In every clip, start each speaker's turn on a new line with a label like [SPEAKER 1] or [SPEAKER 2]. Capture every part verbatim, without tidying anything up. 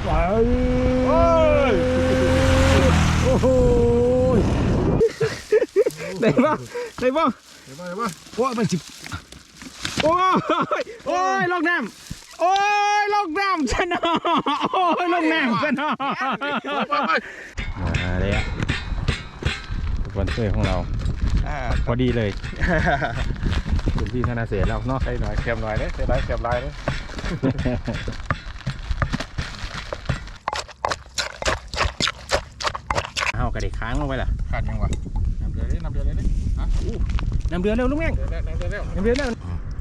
[SPEAKER 1] ไปโอ้โหได้ป่ะได้ป่ะได้ป่ะได้ป่ะโอ้ยมันจิบโอ้ยโอ้ยลงน้ำโอ้ยลงน้ำชนะโอ้ยลงน้ำชนะมาเลยอ่ะสปอนเซอร์ของเราพอดีเลยคุณพี่ธนาเสียแล้วเนาะใส่หน่อยเค็มหน่อยเนี่ยใส่หลายเค็มหลายเนี่ยเอากระเด็กค้างลงไปล่ะขาดยังวะน้ำเดือดเลยน้ำเดือดเลยเนี่ยฮะน้ำเดือดเร็วลุงแม่งน้ำเดือดเร็วน้ำเดือดเร็ว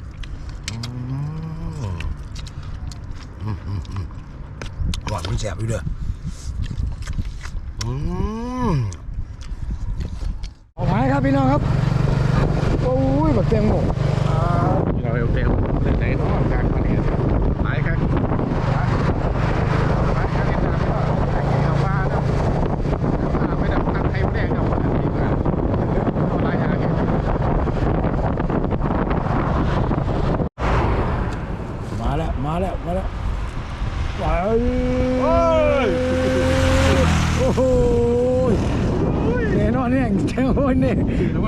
[SPEAKER 1] หวานมันแสบอยู่เด้อเอาไว้ครับพี่น้องครับโอ้ยแบบเต็มหมดเราเต็มเต็มไหนน้องจากคนนี้หลายครับหลายครับเห็นน้ำก็ใส่เอาปลาแล้วปลาไม่ได้พันไทยไม่ได้เอาปลาดีกว่าเอาลายอย่างนี้มาแล้วมาแล้วมาแล้วไปโอ้โหแน่นอนเนี่ยแค่โอ้ยเนี่ย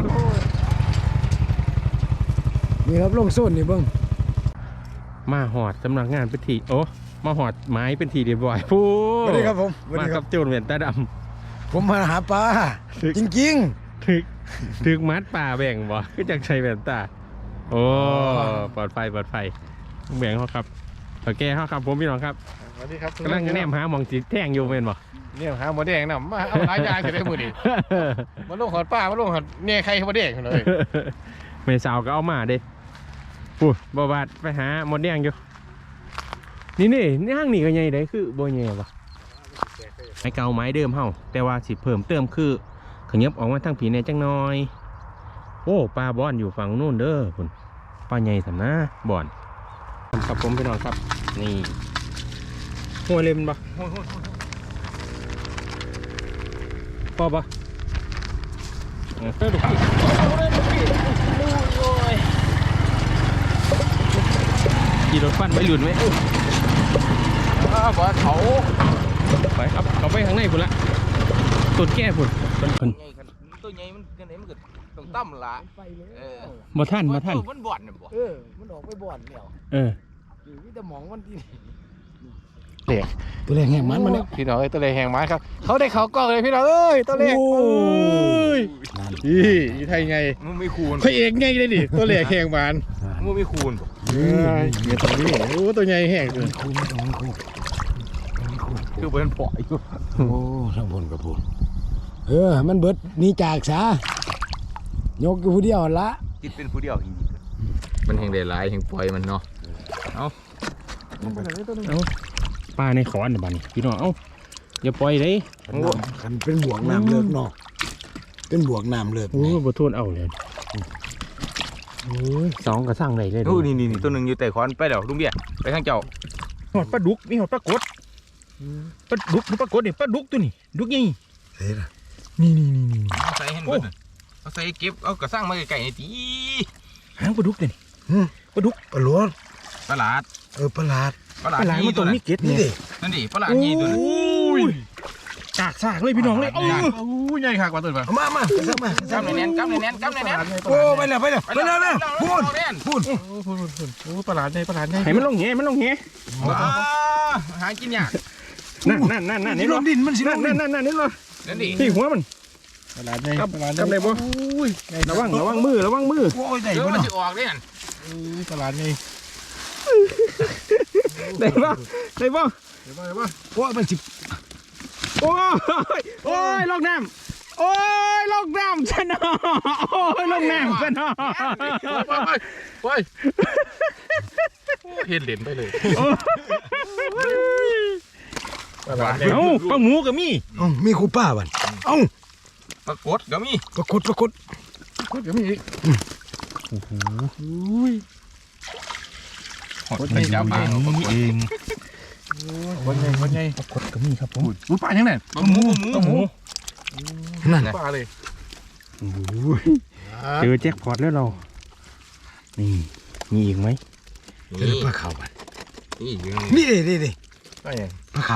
[SPEAKER 1] นี่ครับลงโซนนี่เบิ้งมาหอดสำนักงานเป็นทีโอ้มาหอดไม้เป็นทีเรียบร้อยพูดสวัสดีครับผมมากับโจรเหวียนตาดำผมมาหาปลาจริงๆถึกถึกมัดป่าแบ่งบ่ก็จากชัยแว่นตาโอ้ปลอดไฟปลอดไฟแบ่งเขาครับโอเคเขาครับผมพี่น้องครับสวัสดีครับกำลังแนมหามองจีแท่งอยู่เป็นบ่เนี่ยหาหมดแดงนะมาเอาหลายอย่างจะได้มือดีมาลงหอดป้ามาลงหอดเนี่ยใครหมดแดงเลยไม่สาวก็เอามาเด้พูดบ่บาดไปหาหมดแดงอยู่นี่นี่นี่ห้างนี่ก็ใหญ่ได้คือบ่ใหญ่ปะไม้เก่าไม้เดิมเฮาแต่ว่าสิเพิ่มเติมคือขยับออกมาทางผีในจังน้อยโอ้ปลาบอนอยู่ฝั่งนู้นเด้อคุณปลาใหญ่สำนะบอนครับผมไปนอนครับนี่หัวเล็มปะพอปะเออดูพี่ขี่รถปั้นไปหลุดไหมอ้าวเขาไปครับเขาไปข้างในพุ่นละต้นแก้พุ่นต้นพุ่น
[SPEAKER 2] ตัวใหญ่มันกันไหนมันก็ต้องตั้มละเออ
[SPEAKER 1] บ่ท่านบ่ท่าน
[SPEAKER 2] มันบ่อนเนี่ยบ่
[SPEAKER 3] เออมันออกไปบ่อนแล้ว
[SPEAKER 1] เออ
[SPEAKER 3] อยู่ที่ตะหมองมันที่
[SPEAKER 1] เล็กตัวเล็กแห้งมันมันเนี่ย
[SPEAKER 2] พี่น้องเอ้ยตัวเล็กแห้งมันครับเขาได้เขากล้องเลยพี่น้องเอ้ยตัวเล็กโอ้
[SPEAKER 1] ยนี่ยี่ไทยไง
[SPEAKER 2] มึงไม่คูณ
[SPEAKER 1] พระเอกไงเลยดิตัวเล็กแห้งมัน
[SPEAKER 2] มึงไม่คูณ
[SPEAKER 1] เฮ้ยเงี้ยตัวนี้โอ้ตัวใหญ่แห้งเลย
[SPEAKER 3] คูณไม่ต้องคูณ
[SPEAKER 2] คือเป็นปล่อย
[SPEAKER 3] โอ้ทั้งบนกับพูนเออมันเบิดนี่จากซะยกอยู่ผู้เดียวละ
[SPEAKER 2] จิตเป็นผู้เดียวจริงๆมันแห้งได้หลายแห้งปล่อยมันเนาะเอา
[SPEAKER 1] เอาปลาในขอนบ้านพี่น้องเอ้าอย่าปล่อยเลย
[SPEAKER 3] คันเป็นบวกน้ำเลิกเนาะเป็นบวกน้ำเลิก
[SPEAKER 1] โอ้บ่ทนเอาเลยโอ้ยสองกระสั่งเลยเลย
[SPEAKER 2] โอ้นี่นี่ตัวหนึ่งอยู่แต่ขอนไปเดี๋ยวลุงเบี้ยไปทางเจ้า
[SPEAKER 1] หอดปลาดุกมีหอดปลากดปลาดุกปลากดนี่ปลาดุกตัวนี้ดุกยี่
[SPEAKER 3] เฮ้ย
[SPEAKER 1] นี่นี่นี่นี่
[SPEAKER 2] เอาใส่เห็นเบิดเอาใส่เก็บเอากระสั่งมาไก่ๆตี
[SPEAKER 1] หางปลาดุกเลยปลาดุก
[SPEAKER 3] ปลาล้วน
[SPEAKER 2] ปลาหลาด
[SPEAKER 3] เออปลาหลาด
[SPEAKER 2] ปลาหลาด
[SPEAKER 1] มันตัวนี้เก็ตนี่ดิ
[SPEAKER 2] นั่นดิปลาหลาดยี่ตัวนี้
[SPEAKER 1] กากซากเลยพี่น้องเลยโอ้
[SPEAKER 2] ยใหญ่ขากว่าตัว
[SPEAKER 3] มามามา
[SPEAKER 2] มากำในแน่นกำในแน่นกำในแน่น
[SPEAKER 3] โอ้ไปแล้วไปแล้วไปแล้วนะพูด
[SPEAKER 2] พูด
[SPEAKER 1] พูดพูดโอ้ปลาหลาดใหญ่ปลาหลาดใหญ่ให้มันลงเงี้ยมันลงเงี้ย
[SPEAKER 2] หากินยาก
[SPEAKER 1] นั่นนั่นนั่นนั่นนี่
[SPEAKER 3] ลงดินมันสิ
[SPEAKER 1] นั่นนั่นนั่นนั่นนี่เลย
[SPEAKER 2] นั่นดิ
[SPEAKER 1] ที่หัวมัน
[SPEAKER 3] ปลาหลาดใหญ่
[SPEAKER 1] ปลาหลาดใหญ่บ่ระวังระวังมือระวังมือ
[SPEAKER 2] โอ้ยใหญ่กว่ามันจะออกเนี่ย
[SPEAKER 3] ปลาหลาดใหญ่
[SPEAKER 1] ได้ป่ะได้ป่ะ
[SPEAKER 3] ได้ป่ะได้ป่ะโอ้มันสิ
[SPEAKER 1] โอ้ยโอ้ยลงน้ำโอ้ยลงน้ำชนะโอ้ยลงน้ำชนะ
[SPEAKER 2] ไปไปเห็นเหรียญไปเลย
[SPEAKER 1] เอ้าปลาหมูก็มี
[SPEAKER 3] เอ้ามีคูป้าบ้านเอ้า
[SPEAKER 2] ปลากดก็มี
[SPEAKER 3] ปลากดปลากด
[SPEAKER 1] ปลากดก็มีโอ้โห
[SPEAKER 2] คนใหญ่จับมา
[SPEAKER 1] เองคนใหญ่คนใหญ่ปลากดก็มีครับผมอุ้ยปลาอย่างไรปลาหมูปลาหมู
[SPEAKER 2] นั่นปลาเลย
[SPEAKER 1] เจอแจ็คพอตแล้วเรานี่มีอีกไหม
[SPEAKER 3] เจอปลาขาวบ้าน
[SPEAKER 2] นี่
[SPEAKER 3] นี่ดิดิดิ
[SPEAKER 2] ก็ยัง
[SPEAKER 3] ปลาขาว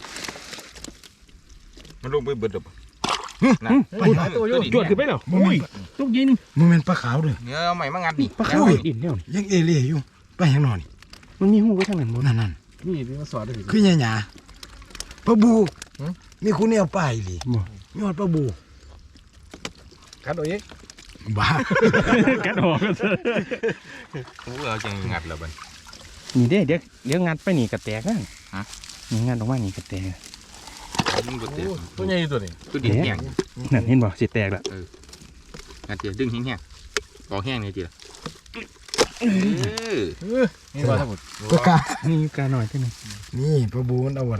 [SPEAKER 2] มันลงไปเบิดดอก
[SPEAKER 1] นะตัวจวดขึ้นไปแล้วโอ้ยลูกยิน
[SPEAKER 3] มันเป็นปลาขาวด้วย
[SPEAKER 2] เนื้อเอาใหม่มางัดดิ
[SPEAKER 1] ปลาเข้าดินแล้ว
[SPEAKER 3] ยังเอเล่อยู่ไปยังนอน
[SPEAKER 1] มันมีหูไว้ทางนั้นบน
[SPEAKER 3] นั่นนั่น
[SPEAKER 4] นี่ที่มาสอนได้
[SPEAKER 3] คือหยาหยาปลาบูมีคุณเนี่ยไปเลยมีหอดปลาบู
[SPEAKER 4] คัดเอาเอง
[SPEAKER 3] บ้า
[SPEAKER 1] กัดออกกันเถอะ
[SPEAKER 2] กูเอาจังงัดแล้วบัด
[SPEAKER 1] นี่เด้เดี๋ยวเดี๋ยวงัดไปนี่กระแตกนั่น
[SPEAKER 2] ฮะ
[SPEAKER 1] นี่งัดออกมานี่กระแตก
[SPEAKER 2] มันบ่เตะ
[SPEAKER 4] ตัวใหญ่ตัวนี้
[SPEAKER 2] ตัวดินแห้ง
[SPEAKER 1] นั่นเห็นบ่สิแตกละ
[SPEAKER 2] งัดเตียดึงแห้งๆปอกแห้งนี่จีละเออ
[SPEAKER 4] นี่ว่าทั้งหมด
[SPEAKER 3] ปลากา
[SPEAKER 1] นี่กาหน่อยเท่านึง
[SPEAKER 3] นี่ปลาบูมันเอาอะไร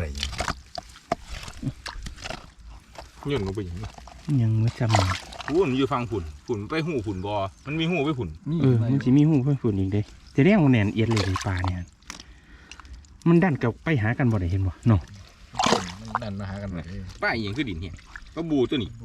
[SPEAKER 2] ย่นลงไปอย่างนี้
[SPEAKER 1] ยังไม่จำ
[SPEAKER 2] หุ่นอยู่ฟังฝุ่นฝุ่นไปหูฝุ่นบอมันมีหูไปฝุ่น
[SPEAKER 1] เออมันสิมีหูเพื่อนฝุ่นอีกเด้จะเรียกว่าแหนนเอียดเลยในป่าเนี่ยมันดันกับไปหากันบ่ได้เห็นบ่เนาะ
[SPEAKER 4] มันดันมาหากันเลย
[SPEAKER 2] ป้าเอียงคือดินแห้งก็บูตัวนี้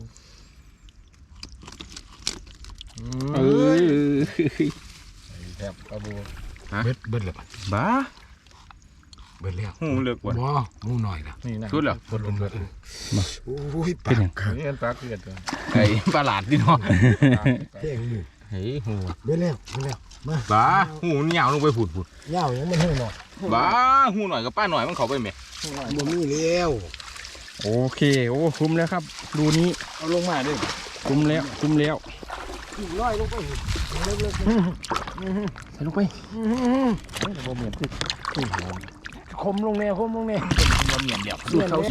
[SPEAKER 1] เออ
[SPEAKER 4] แทบปลาบู
[SPEAKER 3] เบิดเบิดเลย
[SPEAKER 1] บ้า
[SPEAKER 3] เบิดแล้ว
[SPEAKER 2] หูเลือกกว่า
[SPEAKER 3] บ่มูหน่อยนะ
[SPEAKER 4] นี่นะ
[SPEAKER 2] สุดเหรอ
[SPEAKER 4] เบิดเบิด
[SPEAKER 3] โอ้ยป
[SPEAKER 1] เป็น
[SPEAKER 3] ลา
[SPEAKER 1] หยัง
[SPEAKER 4] นี่เป็นปลาเกลือตัว
[SPEAKER 2] ไอ้ปลาหลาดดิเนาะ
[SPEAKER 3] เท่งอยู่
[SPEAKER 2] เฮ้ยหู
[SPEAKER 3] เบิดแล้วเบิดแล้วมา
[SPEAKER 2] บ้าหูมันยาวลงไปฝุ่นฝุ่น
[SPEAKER 3] เหย้ายังไม่เท่หน่อย
[SPEAKER 2] บ้าหูหน่อยกับป้าหน่อยมันเข้าไปไหม
[SPEAKER 3] บ่มีแล้ว
[SPEAKER 1] โอเคโอ้คุ้มแล้วครับดูนี้
[SPEAKER 4] เอาลงมาด้วย
[SPEAKER 1] คุ้มแล้วคุ้มแล้ว
[SPEAKER 3] ร้อยลงไปเลิกเลิก
[SPEAKER 1] ใส่ลงไป
[SPEAKER 4] บ่เหมือนที่
[SPEAKER 3] คมลงแนวคมลงแนว
[SPEAKER 2] มันเหมียนเดียว
[SPEAKER 3] ดูเขา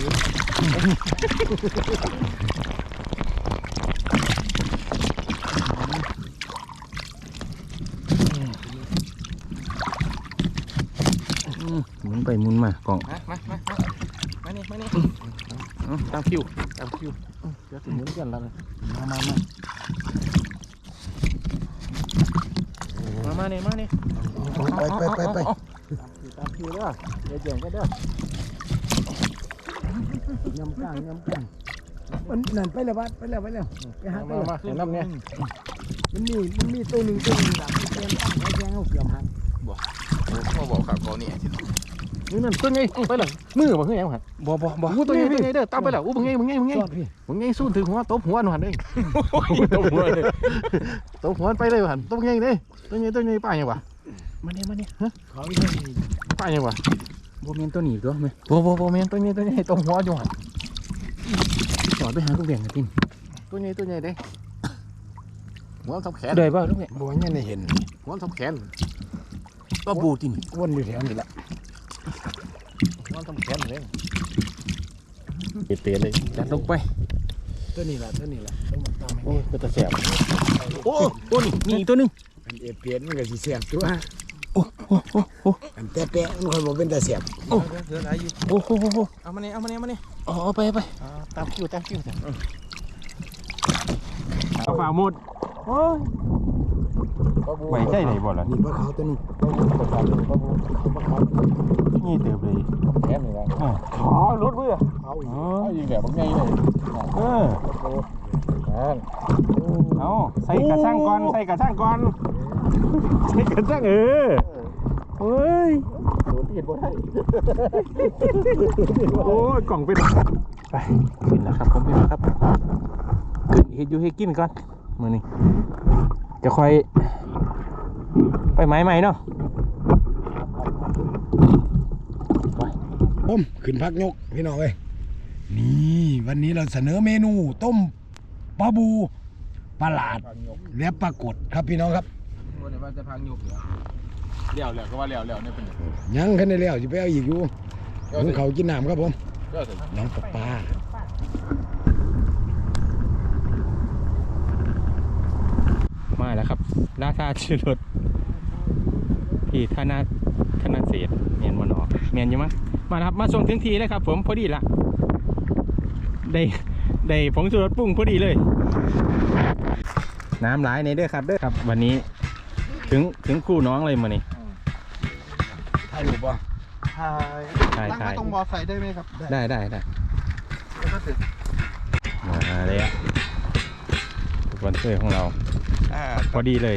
[SPEAKER 1] หมุนไปหมุนมากล่อง
[SPEAKER 2] มามามามานี่มานี่
[SPEAKER 1] เอาตามคิว
[SPEAKER 4] ตามคิวเดี๋ยวถึงเหมือนกันแล้ว
[SPEAKER 1] มามามามามาเนี่ยมาเนี่ย
[SPEAKER 3] ไปไปไปไป
[SPEAKER 4] ตามคิวเด้อเดี๋ยวเจียงก็เด้อย
[SPEAKER 3] ำกลางยำกลางมันนั่นไปแล้วบัดไปแล้วไปแล้วไปหาไป
[SPEAKER 4] มา
[SPEAKER 3] แล้ว
[SPEAKER 4] มาเห็นน้ำเนี่ย
[SPEAKER 3] มันมีมันมีตัวหนึ่งตัวหนึ่งแบบเตรียมตั้งไว้แจ้งเอาเกือบหัน
[SPEAKER 2] เขาบอกขับเขานี่
[SPEAKER 4] นี่นั่นตัวใหญ่ไปเลยมือบ่คือหยังหัน
[SPEAKER 1] บ่บ่บ่
[SPEAKER 4] อู้ตัวใหญ่ตัวใหญ่เด้อตามไปแล้วอู้บ่ใหญ่บ่ใหญ่บ่ใหญ่
[SPEAKER 3] จอดพี่
[SPEAKER 4] บ่ใหญ่สู้ถึงหัวตบหัวหนูหันเด้ตบหัวเลยตบหัวไปเลยหันตบใหญ่เด้ตัวใหญ่ตัวใหญ่ป้าหยังวะ
[SPEAKER 1] มาเนี่ยมาเนี่ย
[SPEAKER 3] เขาอีกที
[SPEAKER 4] ป้าหยังวะ
[SPEAKER 1] บ่แม่นตัวหนีตัวไหม
[SPEAKER 4] บ่บ่บ่แม่นตัวใหญ่ตัวใหญ่ตบหัวอยู่หัน
[SPEAKER 1] จอดไปหาลูกเบี่ยงกันติน
[SPEAKER 4] ตัวใหญ่ตัวใหญ่เด้หัวทับแขน
[SPEAKER 1] เดยบ่ลูกเบี่ยง
[SPEAKER 3] บัวเนี่ยได้เห็น
[SPEAKER 4] หัวทับแขน
[SPEAKER 1] ปลาบูติน
[SPEAKER 3] วนอยู่แถวนี้แหละ
[SPEAKER 4] หัวทับแขนเลยเตะเลย
[SPEAKER 1] จัดลงไป
[SPEAKER 3] ตัวนี้แหละตัวนี้แหละต้องมาตามให้
[SPEAKER 4] โอ้ยก็ตะแสบ
[SPEAKER 1] โอ้ตัวนี้มีอีกตัวหนึง
[SPEAKER 3] อันเอเปียนมันก็สิเสียบตัว
[SPEAKER 1] โอ้โอ้โอ้โอ้
[SPEAKER 3] อันแต่แปะมันคอยบอกเป็นตาเสียบ
[SPEAKER 1] โอ้โหโอ้โห
[SPEAKER 2] เอามาเนี่ยเอามาเนี่ยมาเนี่ย
[SPEAKER 1] อ๋อไปไป
[SPEAKER 4] ตามคิวตามคิวจ้ะ
[SPEAKER 1] เอาฝ่าหมดโอ้ยไหวใจไหนบ่ล่ะ
[SPEAKER 3] นี่ปลาขาวตัวนึง
[SPEAKER 1] นี่เติบเลย
[SPEAKER 4] แขนนี่ว่า
[SPEAKER 1] อ่า
[SPEAKER 4] อ๋อรถเบื่อ
[SPEAKER 3] เอาอีก
[SPEAKER 1] อ๋อ
[SPEAKER 4] เอายิงแบบบางไงเลย
[SPEAKER 1] เออ
[SPEAKER 4] อ่า
[SPEAKER 1] เอาใส่กระช่างก่อนใส่กระช่างก่อนใส่กระช่างเออเฮ้ย
[SPEAKER 4] โดนที่เห็นบ่ได้
[SPEAKER 1] โอ้ยกล่องไปไหนไปขึ้นแล้วครับผมพี่น้องครับขึ้นเฮ็ดอยู่ให้กินก่อนมื้อนี้จะค่อยไปไม้ใหม่เนาะ
[SPEAKER 3] ผมขึ้นพักยกพี่น้องเอ้ยนี่วันนี้เราเสนอเมนูต้มปลาบูปลาหลาดและปลากดครับพี่น้องครับ
[SPEAKER 2] วันนี้ว่าจะพังยุบเหรอเลี้ยวเลี้ยวก็ว่าเลี้ยวเลี้ยวเนี่ยเป็น
[SPEAKER 3] ยังขึ้นได้แล้วจะไปเอาอีกอยู่ผมเขากินน้ำครับผม
[SPEAKER 2] เลี้ยวสิ
[SPEAKER 3] น้องปลาปลา
[SPEAKER 1] มาแล้วครับราชาชื่อรถพี่ธนาธนาเศษเมียนมอนอกเมียนอยู่มั้งมาแล้วครับมาส่งถึงทีเลยครับผมพอดีละได้ได้ผงชูรสปรุงพอดีเลย น้ำหลายในเด้อครับเด้อครับ วันนี้ถึงถึงคู่น้องเลยมานี่
[SPEAKER 3] ถ่ายรูปป่ะ
[SPEAKER 4] ถ่าย
[SPEAKER 1] ถ่าย
[SPEAKER 4] ตั้ง
[SPEAKER 1] ถ่า
[SPEAKER 4] ไว้
[SPEAKER 1] ย
[SPEAKER 4] ตรงบอใส่ได้ไหมครับ
[SPEAKER 1] ได้ได้ได้
[SPEAKER 4] แล้วก็ถึง
[SPEAKER 1] มาเลยอ่ะสปอนเซอร์ของเรา
[SPEAKER 4] อ่า
[SPEAKER 1] พอดีเลย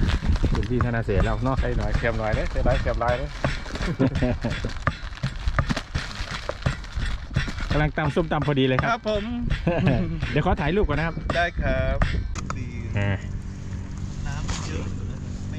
[SPEAKER 1] ถึงที่ธนาเศษแล้วเนาะ
[SPEAKER 4] ใส่หน่อยเค็มหน่อยเนี่ยใส่หลายเค็มหลายเนี่ย
[SPEAKER 1] กำลังตำส้มตำพอดีเลยค
[SPEAKER 2] ค
[SPEAKER 1] รั
[SPEAKER 2] รั
[SPEAKER 1] บบ
[SPEAKER 2] ผม
[SPEAKER 1] เดี๋ยวขอถ่ายรูปก่อนนะครับ
[SPEAKER 2] ได้ครับดี
[SPEAKER 1] อ่า
[SPEAKER 2] น้ำเยอะไม่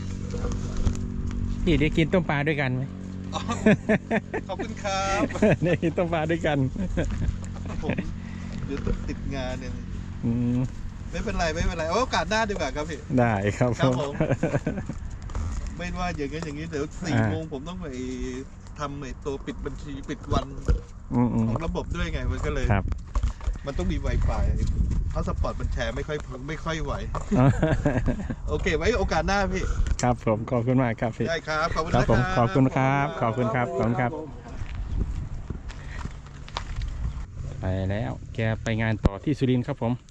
[SPEAKER 1] พี่ได้กินต้มปลาด้วยกันไหม
[SPEAKER 2] ขอบคุณครับ
[SPEAKER 1] ได้กินต้มปลาด้วยกัน
[SPEAKER 2] ผมเดี๋ยวติดงานเนี่ย
[SPEAKER 1] อืม
[SPEAKER 2] ไม่เป็นไรไม่เป็นไรเอาโอกาสหน้าดีกว่าครับพี่
[SPEAKER 1] ได้ครับ
[SPEAKER 2] ครับผม ไม่ว่าอย่างนั้นอย่างนี้เดี๋ยวสี่
[SPEAKER 1] อ่า
[SPEAKER 2] โมงผมต้องไปทำไอ้ตัวปิดบัญชีปิดวัน
[SPEAKER 1] อืมอืม
[SPEAKER 2] ของระบบด้วยไงมันก็เลย
[SPEAKER 1] ครับ
[SPEAKER 2] มันต้องมี Wi-Fi พาสปอร์ตมันแชร์ไม่ค่อยไม่ค่อยไหว โอเค ไว้โอกาสหน้าพี่
[SPEAKER 1] ครับผมขอบคุณมากครับพี่
[SPEAKER 2] ได้ครับ ขอบคุณ
[SPEAKER 1] ครับ
[SPEAKER 2] นะ
[SPEAKER 1] ผมขอบคุณครับขอบคุณครับขอบคุณครับ ไปแล้ว แกไปงานต่อที่สุรินทร์ครับผม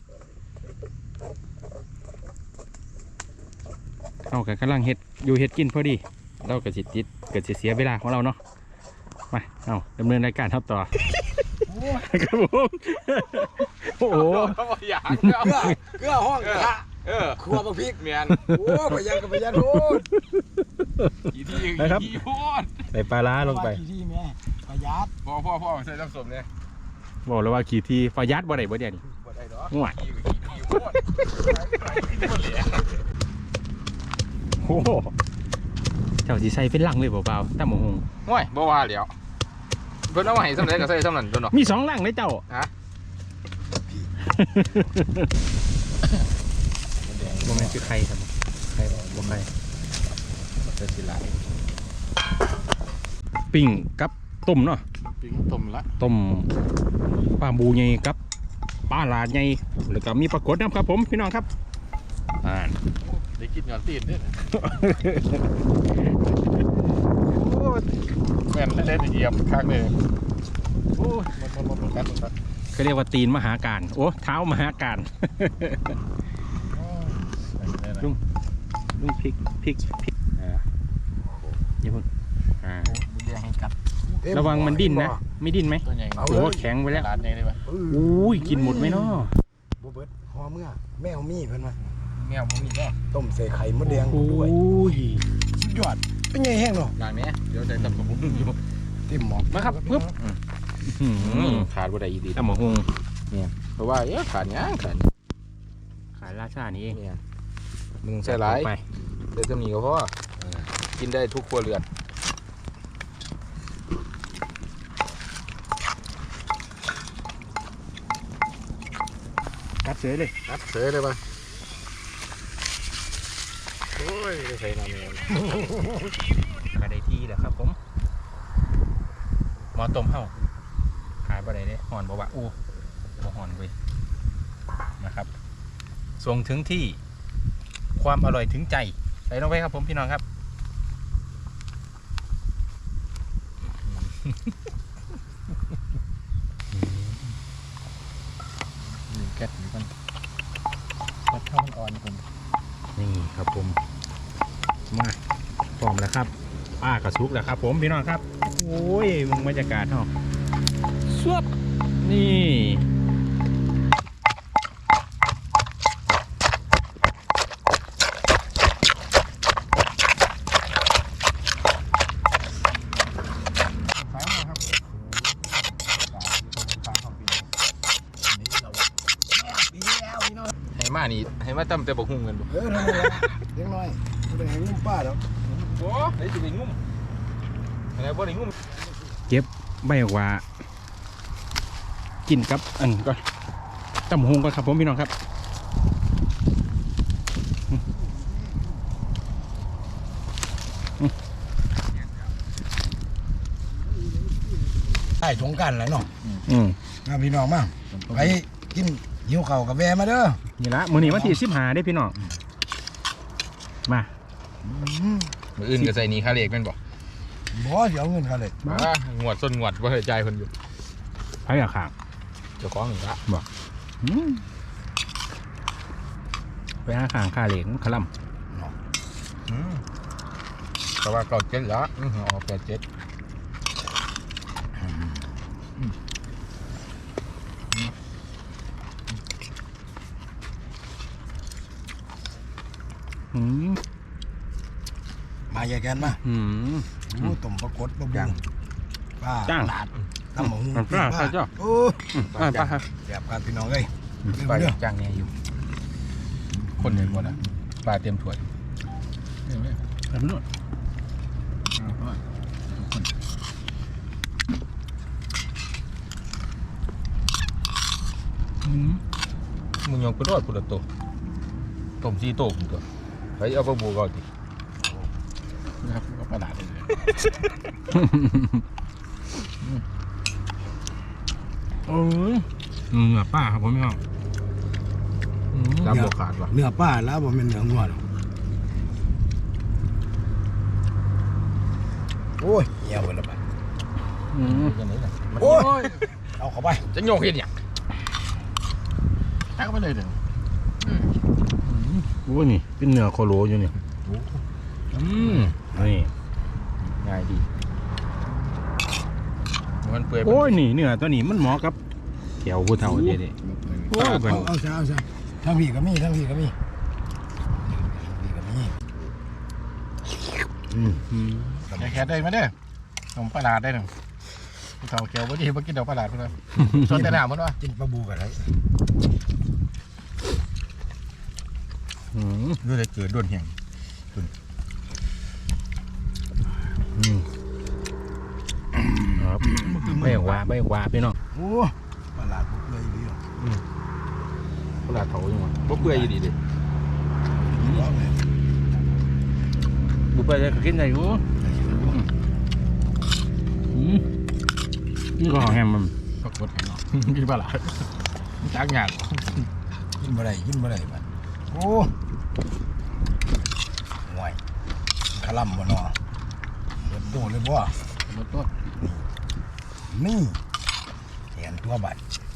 [SPEAKER 1] เอากับกำลังเห็ดอยู่เห็ดกินพอดี เราเกิดสิจิตเกิดสิเสียเวลาของเราเนาะมาเอาดำเนินรายการครับต่อครับผมโอ้โห
[SPEAKER 2] เขาบอกอย่าง
[SPEAKER 3] เกลือเกลือห้องกระทะ
[SPEAKER 2] เออ
[SPEAKER 3] ครัวบักพริก
[SPEAKER 2] เมียน
[SPEAKER 3] โอ้ประหยัดกับประหยัดโอ้ย
[SPEAKER 2] อีที่
[SPEAKER 1] นะครับ
[SPEAKER 2] อีพูด
[SPEAKER 1] ใส่ปลาร้าลงไป
[SPEAKER 3] กี่ที่แม่ประหยัด
[SPEAKER 2] พ่อพ่อพ่อใส่น้ำส้มเนี่ย
[SPEAKER 1] บอกเลยว่าขี่ทีฟายัดบ่ได้บ่เดี๋ยวนี้
[SPEAKER 2] บ่ได้หรอ
[SPEAKER 1] ง่วง
[SPEAKER 2] อีกับอีอีพูดอีพูดเหลี่ย
[SPEAKER 1] โอ้โหเจ้าสีใส่เป็นลังเลยเปล่าๆตั้มหง
[SPEAKER 2] ง่วยบ่ว่าแล้วเพิ่นเอามาให้สำเร็จก็ใส่สำนั้นตัวเนาะ
[SPEAKER 1] มีสองลังเลยเจ้า
[SPEAKER 2] ฮะ
[SPEAKER 1] โมเมนต์คือใครครับใครบอกบ่ใคร
[SPEAKER 2] จะสิหลาย
[SPEAKER 1] ปิ้งกับต้มเนาะ
[SPEAKER 2] ปิ้งต้มละ
[SPEAKER 1] ต้มปลาบูใหญ่กับปลาหลาดใหญ่แล้วก็มีปลากดนะครับผมพี่น้องครับอ่า
[SPEAKER 2] ได้กินก่อนตีนด้วยแม่นเล่นเหยียบข้างเลยโอ้ยมันมันมันกันมัน
[SPEAKER 1] เขาเรียกว่าตีนมหาการโอ้เท้ามหาการ ลุงลุงพริกพริกพริกอ่าอย่าเพิ่งอ่า
[SPEAKER 2] เรียงให้กัด
[SPEAKER 1] ระวังมันดิ้นนะไม่ดิ้นไหม
[SPEAKER 2] ตัวใหญ่
[SPEAKER 1] โอ้โหแข็งไปแล้ว
[SPEAKER 2] ร้านใหญ่เลยป่ะ
[SPEAKER 1] อุ้ยกินหมดไหมเนาะ
[SPEAKER 3] บ่เบิดหอมเมื่อแมวมีเพิ่นมา
[SPEAKER 2] แมวมันมีก็
[SPEAKER 3] ต้มใส่ไข่มดแดง
[SPEAKER 1] โอ้
[SPEAKER 3] ด้วย
[SPEAKER 1] ย
[SPEAKER 3] สุดยอดเป็นไงแห้งเนาะ
[SPEAKER 2] ร้านนี้เดี๋ยวใส่ตับกับผมอยู่
[SPEAKER 3] เต็มหมอก
[SPEAKER 1] มาครับปึ๊บ
[SPEAKER 2] ขาดว่าใดอีดี
[SPEAKER 1] ตั้มหง
[SPEAKER 2] เพราะว่าเอ๊ะขาดย่างขาด
[SPEAKER 1] ขายราชานี่เอง
[SPEAKER 2] เนี่ยมึงใส่หลาย
[SPEAKER 1] ไป
[SPEAKER 2] เดี๋ยวจะมีก็เพราะว่ากินได้ทุกครัวเรือน
[SPEAKER 1] กัดเสยเลย
[SPEAKER 2] นัดเสยเลยป่ะโอ้ยได้ใส่น้ำแมว
[SPEAKER 1] มาได้ที่แล้วครับผมหมอต้มเฮาขายบ่ได้เด้หอนบ่วะโอ้บ่หอนเว้ยนะครับส่งถึงที่ความอร่อยถึงใจใส่ลงไปครับผมพี่น้องครับ
[SPEAKER 2] หนึ่งแก๊สนี่กันแก๊สเท่ามันอ่อนผม
[SPEAKER 1] นี่ครับผมมาพร้อมแล้วครับป้ากระซุกแล้วครับ ผมพี่น้องครับโอ้ยมึงบรรยากาศเฮาสวบนี่
[SPEAKER 2] สายมาครับให้มานี่ให้มาตั้มแต่บอกหุ่งกันบ่
[SPEAKER 3] เออนั่นแหละเล็กน้อยบ่ได้ให้งุ้มป้าดอก
[SPEAKER 2] โอ้ได้สิไปงุ้มอะไรบ่ได้งุ้ม
[SPEAKER 1] ใบกว่า กินกับอันก็ตำหงก่อนครับผมพี่น้องครับ
[SPEAKER 3] ใต้สงกรานต์แหละเนาะ
[SPEAKER 1] อืม
[SPEAKER 3] มาพี่น้องมาไปกินหิวข้าวกับแวมาเด้อ
[SPEAKER 1] นี่ละมื้อนี้วันที่สิบห้าได้พี่น้องมา
[SPEAKER 2] มืออื่นก็ใส่นี่ค่าเลขแม่นบ่
[SPEAKER 3] บ่เดี๋ยวเอาเงินเขาเลย
[SPEAKER 2] อ่างวดส้นงวดบ่เคยจ่ายเพิ่นอยู่
[SPEAKER 1] ไผอยากขาง
[SPEAKER 2] เจ้าของหนึ่งละ
[SPEAKER 1] อืมไปหาขางค่าเหลงขะล
[SPEAKER 2] อืมแต่ว่าเก่าเจ็ดละอือออกแปดเจ็ด
[SPEAKER 1] ำอืม
[SPEAKER 3] มาแยกกันมา
[SPEAKER 1] อืม
[SPEAKER 3] ดูต้มปรากฏบะบูป้า
[SPEAKER 1] จ้าง
[SPEAKER 3] หลาดตำหมู
[SPEAKER 1] น้ำปลาใช่จ้ะ
[SPEAKER 3] โอ้
[SPEAKER 1] อ่าปลาครับ
[SPEAKER 3] แซ่บครับพี่น้องเอ้ย
[SPEAKER 4] ปลาจ้างเนี่ยอยู่คนเดียวหมดอ่ะปลาเต็มถ้วย
[SPEAKER 1] แบบนู้น
[SPEAKER 4] มึงยังไปรอดพุทธโตต้มซีโต้ผมตัวไปเอาปลาบูก่อนดินะครับก็ปลาดาดเลย
[SPEAKER 1] โอ้ยเนื้อปลาครับผมพี่น้อง
[SPEAKER 4] น้ำบวขาดว่ะ
[SPEAKER 3] เนื้อปลาแล้วบ่แม่นเนื้องัวหรอกโอ้ยเหี่ยวไปแล้วไป
[SPEAKER 1] อืม
[SPEAKER 4] ยังไงล่ะ
[SPEAKER 3] โอ้ยเอาเข้าไป
[SPEAKER 4] จะโยกเห็นอย่างตักไปเลยเดี๋ยว
[SPEAKER 1] โอ้ยนี่เป็นเนื้อโคโลอยู่นี่อืมนี่
[SPEAKER 4] ง่ายดีมันเปื่อย
[SPEAKER 1] โอ้ยนี่เนื้อตัวนี้มันเหมาะกับแก้วผู้เฒ่าเด็ดๆโอ้ย
[SPEAKER 3] เอาเอาซะเอาซะทั้งพี่ก็มีทั้งพี่ก็มีพี่ก็มีอืม
[SPEAKER 1] อืม
[SPEAKER 4] แค่แค่ได้ไหมเด้อผมปลาดาดได้หนึ่งผู้เฒ่าแก้วบ่ดีบ่กินดอกปลาดาดเพิ่นว่าส่วนแต่หน้ามันว่า
[SPEAKER 3] กินปลาบูกันไร
[SPEAKER 1] อืม
[SPEAKER 4] ดูเลยเกิดด้วนแห้ง
[SPEAKER 1] อืมครับไม่ว่าไม่ว่าพี่น้อง
[SPEAKER 3] โอ้ปลาหลาดพวกเลยดีอ่ะ
[SPEAKER 4] ปลาดาดเฒ่าอยู่มันบ่เปื่อยอยู่ดีเด้
[SPEAKER 3] ร้องเลย
[SPEAKER 1] บุไปเลยก็กินได้อยู่อืมนี่ก็ของแฮมมัน
[SPEAKER 4] ปรากฏให้เนาะกินปลาดาดจักยาก
[SPEAKER 3] กินบ่ได้กินบ่ได้บัดโอ้ห่วยขะล่ำบ่เนาะเบิดโดเลยบ่
[SPEAKER 4] บ่ต้น
[SPEAKER 3] นี่เห็นตัวบัด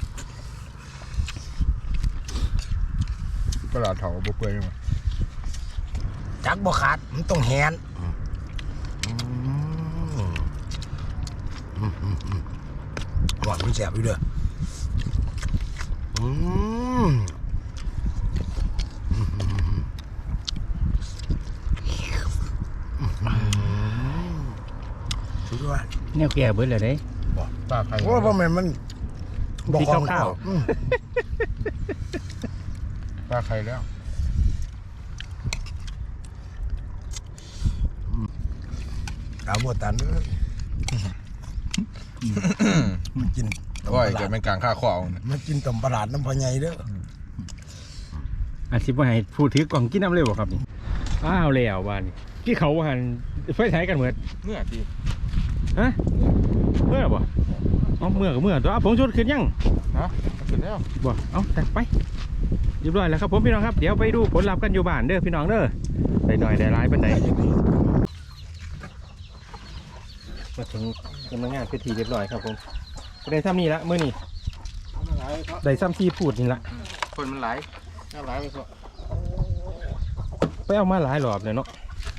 [SPEAKER 4] ปลาดาดเฒ่าบ่เปื่อยมัน
[SPEAKER 3] จักบ่ขาดมันต้องแหนหวานมันแสบอยู่เด้ออืมสุดยอด
[SPEAKER 1] แนวแก่เบิดเลยเด้
[SPEAKER 4] ปลาไข่
[SPEAKER 3] โอ้เพราะมันมัน
[SPEAKER 1] สีขาวๆ
[SPEAKER 3] อืม
[SPEAKER 4] ปลาไข่แล้ว
[SPEAKER 3] เอาบัวตันเด้อมันกินต้ม
[SPEAKER 4] โอ้ย
[SPEAKER 3] ปลา
[SPEAKER 4] เกิด
[SPEAKER 3] ร้า
[SPEAKER 4] เป็นกลางค่าข้อเอา
[SPEAKER 3] มันกินต้มปลาร้าน้ำพะไงเด้อ
[SPEAKER 1] อาชีพว่าให้พูดถือกล่องกินน้ำเร็วบ่ครับนี่อ้าวแล้วบ้านนี่ที่เขาหันไฟใช้กันเหมือน
[SPEAKER 4] เมื่อดี
[SPEAKER 1] ฮะเมื่อบ่เอาเมื่อกับเมื่อตัวเอาผงชูรสขึ้นยัง
[SPEAKER 4] นะขึ้นแล้ว
[SPEAKER 1] บ่เอาแต่ไปเรียบร้อยแล้วครับผมพี่น้องครับเดี๋ยวไปดูผลลัพธ์กันอยู่บ้านเด้อพี่น้องเด้อได้หน่อยได้ร้ายเป็นไดมาถึงกำลังงานพิธีเรียบร้อยครับผมได้ซ้ำนี่ละมื้อนี้ได้ซ้ำที่พูดนี่ละ
[SPEAKER 4] คนมันไหลน้ำไหลไปก็
[SPEAKER 1] ไปเอามาหลายรอบเลยเนาะ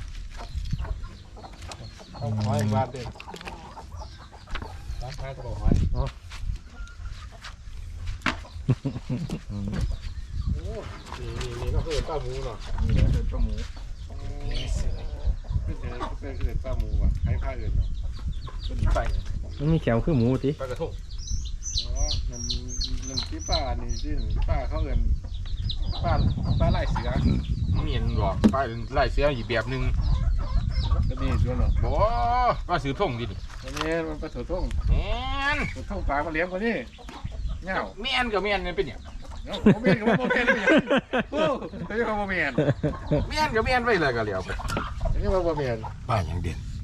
[SPEAKER 4] เอาหอยบาดเด้ร้านค้าจะบอกหอยนี่นี่ก็คือป้าหมูเนาะนี่คือป้าหมูเป็นเป็นคือป้าหมูอ่ะให้ผ้าอื่นเนาะก็ดีไป
[SPEAKER 1] มันมีแขวคือหมูติ
[SPEAKER 4] ปลากระทงอ๋อมันมันที่ป้านี่ที่ป้าเขาเอินป้าป้าไล่เสือมีเห็นบอกป้าไล่เสืออีกแบบนึงก็มีส่วนหรอบ่ป้าสือท่งดิอันนี้มันป้าสือท่งแม่นสือท่งปลามาเลี้ยงกว่านี้เงาแม่นกับแม่นนี่เป็นอย่างเนาะบ่แม่นกับบ่แม่นเป็นอย่างโอ้ยเขาบ่แม่นแม่นกับแม่นไปเลยก็เลี้ยวไปอันนี้ว่าบ่แม่น
[SPEAKER 3] ป้าอย่างเด่น